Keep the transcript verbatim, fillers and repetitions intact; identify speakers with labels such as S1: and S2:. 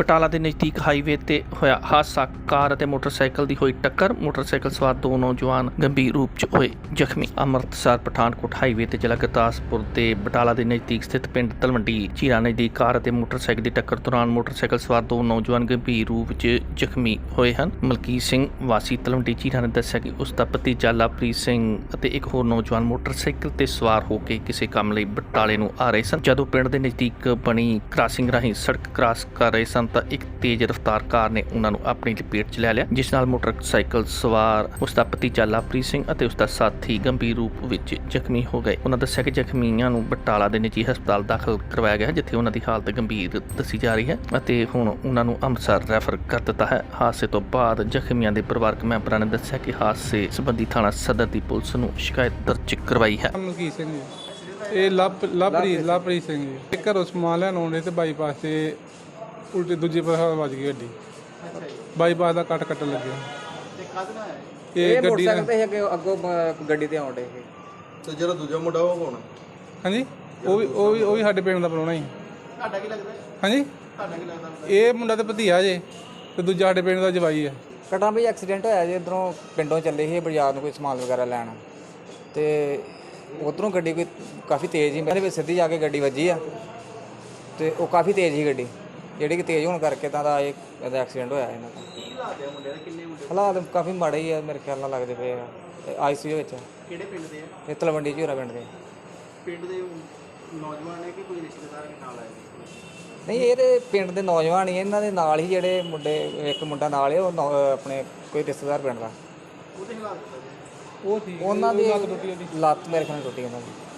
S1: ਬਟਾਲਾ ਦੇ ਨਜ਼ਦੀਕ ਹਾਈਵੇ ਤੇ ਹੋਇਆ ਹਾਦਸਾ। ਕਾਰ ਅਤੇ ਮੋਟਰਸਾਈਕਲ ਦੀ ਹੋਈ ਟੱਕਰ। ਮੋਟਰਸਾਈਕਲ ਸਵਾਰ ਦੋ ਨੌਜਵਾਨ ਗੰਭੀਰ ਰੂਪ 'ਚ ਹੋਏ ਜ਼ਖਮੀ। ਅੰਮ੍ਰਿਤਸਰ ਪਠਾਨਕੋਟ ਹਾਈਵੇ ਤੇ ਜ਼ਿਲ੍ਹਾ ਗੁਰਦਾਸਪੁਰ ਦੇ ਬਟਾਲਾ ਦੇ ਨਜ਼ਦੀਕ ਸਥਿਤ ਪਿੰਡ ਤਲਵੰਡੀ ਝੀਰਾ ਨਜ਼ਦੀਕ ਕਾਰ ਅਤੇ ਮੋਟਰਸਾਈਕਲ ਦੀ ਟੱਕਰ ਦੌਰਾਨ ਮੋਟਰਸਾਈਕਲ ਸਵਾਰ ਦੋ ਨੌਜਵਾਨ ਗੰਭੀਰ ਰੂਪ 'ਚ ਜ਼ਖਮੀ ਹੋਏ ਹਨ। ਮਲਕੀਤ ਸਿੰਘ ਵਾਸੀ ਤਲਵੰਡੀ ਝੀਰਾ ਨੇ ਦੱਸਿਆ ਕਿ ਉਸ ਦਾ ਭਤੀਜਾ ਲਵਪ੍ਰੀਤ ਸਿੰਘ ਅਤੇ ਇੱਕ ਹੋਰ ਨੌਜਵਾਨ ਮੋਟਰਸਾਈਕਲ ਤੇ ਸਵਾਰ ਹੋ ਕੇ ਕਿਸੇ ਕੰਮ ਲਈ ਬਟਾਲੇ ਨੂੰ ਆ ਰਹੇ ਸਨ। ਜਦੋਂ ਪਿੰਡ ਦੇ ਨਜ਼ਦੀਕ ਬਣੀ ਕ੍ਰਾਸਿੰਗ ਰਾਹੀਂ ਸੜਕ ਕ੍ਰਾਸ ਕਰ ਰਹੇ ਸਨ ਤਾਂ ਇੱਕ ਤੇਜ਼ ਰਫ਼ਤਾਰ ਕਾਰ ਨੇ ਉਹਨਾਂ ਨੂੰ ਆਪਣੀ ਲਪੇਟ 'ਚ ਲੈ ਲਿਆ, ਜਿਸ ਨਾਲ ਮੋਟਰਸਾਈਕਲ ਸਵਾਰ ਉਸ ਦਾ ਭਤੀਜਾ ਲਵਪ੍ਰੀਤ ਸਿੰਘ ਅਤੇ ਉਸ ਦਾ ਸਾਥੀ ਗੰਭੀਰ ਰੂਪ ਵਿੱਚ ਜ਼ਖਮੀ ਹੋ ਗਏ। ਉਹਨਾਂ ਦੱਸਿਆ ਕਿ ਜ਼ਖਮੀਆਂ ਨੂੰ ਬਟਾਲਾ ਦੇ ਨਿੱਜੀ ਹਸਪਤਾਲ ਦਾਖਲ ਕਰਵਾਇਆ ਗਿਆ, ਜਿੱਥੇ ਉਹਨਾਂ ਦੀ ਹਾਲਤ ਗੰਭੀਰ ਦੱਸੀ ਜਾ ਰਹੀ ਹੈ ਅਤੇ ਹੁਣ ਉਹਨਾਂ ਨੂੰ ਅੰਮ੍ਰਿਤਸਰ ਰੈਫਰ ਕਰ ਦਿੱਤਾ ਹੈ। ਹਾਦਸੇ ਤੋਂ ਬਾਅਦ ਜ਼ਖਮੀਆਂ ਦੇ ਪਰਿਵਾਰਕ ਮੈਂਬਰਾਂ ਨੇ ਦੱਸਿਆ ਕਿ ਹਾਦਸੇ ਸੰਬੰਧੀ ਥਾਣਾ ਸਦਰ ਦੀ ਪੁਲਿਸ ਨੂੰ ਸ਼ਿਕਾਇਤ ਦਰਜ ਕਰਵਾਈ ਹੈ।
S2: ਮਲਕੀਤ ਸਿੰਘ ਜੀ, ਇਹ ਲਵ ਲਵਪ੍ਰੀਤ ਲਵਪ੍ਰੀਤ ਸਿੰਘ ਜੀ, ਇਹ ਘਰੋਂ ਸਮਾਨ ਲੈਣ ਆਉਂਦੇ ਤੇ ਬਾਈਪਾਸ ਤੇ ਉਲਟੇ ਦੂਜੇ ਪਾਸੇ ਵੱਜ ਗਈ ਗੱਡੀ। ਬਾਈਪਾਸ ਦਾ ਕੱਟ ਕੱਟਣ ਲੱਗਿਆ ਇਹ ਗੱਡੀ ਨਾਲ।
S3: ਤੇ ਅੱਗੇ ਅੱਗੋਂ ਗੱਡੀ ਤੇ ਆਉਂਦੇ ਸੀ
S4: ਤੇ ਜਿਹੜਾ ਦੂਜਾ ਮੁੰਡਾ ਉਹ ਕੌਣ?
S2: ਹਾਂਜੀ, ਉਹ ਵੀ ਉਹ ਵੀ ਉਹ ਵੀ ਸਾਡੇ ਪਿੰਡ ਦਾ ਬਣਾਉਣਾ ਹੀ।
S4: ਤੁਹਾਡਾ ਕੀ ਲੱਗਦਾ?
S2: ਹਾਂਜੀ,
S4: ਤੁਹਾਡਾ ਕੀ ਲੱਗਦਾ?
S2: ਇਹ ਮੁੰਡਾ ਤੇ ਭਤੀਆ ਜੇ ਤੇ ਦੂਜਾ ਸਾਡੇ ਪਿੰਡ ਦਾ ਜਵਾਈ ਹੈ।
S3: ਕਟਾ ਵੀ ਐਕਸੀਡੈਂਟ ਹੋਇਆ ਜੀ। ਇੱਧਰੋਂ ਪਿੰਡੋਂ ਚੱਲੇ ਸੀ ਬਾਜ਼ਾਰ ਨੂੰ ਕੋਈ ਸਮਾਨ ਵਗੈਰਾ ਲੈਣ, ਤੇ ਉੱਧਰੋਂ ਗੱਡੀ ਕੋਈ ਕਾਫੀ ਤੇਜ਼ ਸੀ, ਮੇਰੇ ਵਿੱਚ ਸਿੱਧੀ ਜਾ ਕੇ ਗੱਡੀ ਵੱਜੀ ਆ ਤੇ ਉਹ ਕਾਫੀ ਤੇਜ਼ ਸੀ ਗੱਡੀ, ਜਿਹੜੀ ਕਿ ਤੇਜ਼ ਹੋਣ ਕਰਕੇ ਤਾਂ ਦਾ ਇਹ ਇਹਦਾ ਐਕਸੀਡੈਂਟ ਹੋਇਆ ਇਹਨਾਂ ਦਾ।
S4: ਕੀ ਹਾਲਾਤ ਹੈ ਮੁੰਡੇ ਦੇ? ਕਿੰਨੇ ਮੁੰਡੇ?
S3: ਹਾਲਾਤ ਕਾਫੀ ਮਾੜੇ ਹੀ ਆ, ਮੇਰੇ ਖਿਆਲ ਨਾਲ ਲੱਗਦੇ ਪਏ ਆ ਆਈ ਸੀ ਯੂ ਵਿੱਚ।
S4: ਕਿਹੜੇ ਪਿੰਡ ਦੇ ਆ?
S3: ਇਹ ਤਲਵੰਡੀ ਝੀਰਾ ਪਿੰਡ ਦੇ।
S4: ਪਿੰਡ ਦੇ ਨੌਜਵਾਨ ਨੇ ਕਿ ਕੋਈ ਰਿਸ਼ਤੇਦਾਰ ਦੇ ਨਾਲ ਆਏ?
S3: ਨਹੀਂ, ਇਹ ਤੇ ਪਿੰਡ ਦੇ ਨੌਜਵਾਨ ਹੀ, ਇਹਨਾਂ ਦੇ ਨਾਲ ਹੀ ਜਿਹੜੇ ਮੁੰਡੇ, ਇੱਕ ਮੁੰਡਾ ਨਾਲ ਹੈ ਉਹ ਨੌ- ਆਪਣੇ ਕੋਈ ਰਿਸ਼ਤੇਦਾਰ ਪਿੰਡ ਦਾ।
S4: ਉਹਦੇ ਹਾਲਾਤ
S2: ਉਹ ਸੀ
S3: ਉਹਨਾਂ ਦੀ ਲੱਤ ਮੇਰੇ ਖਿਆਲ ਨਾਲ ਟੁੱਟੀ ਉਹਨਾਂ ਦੀ।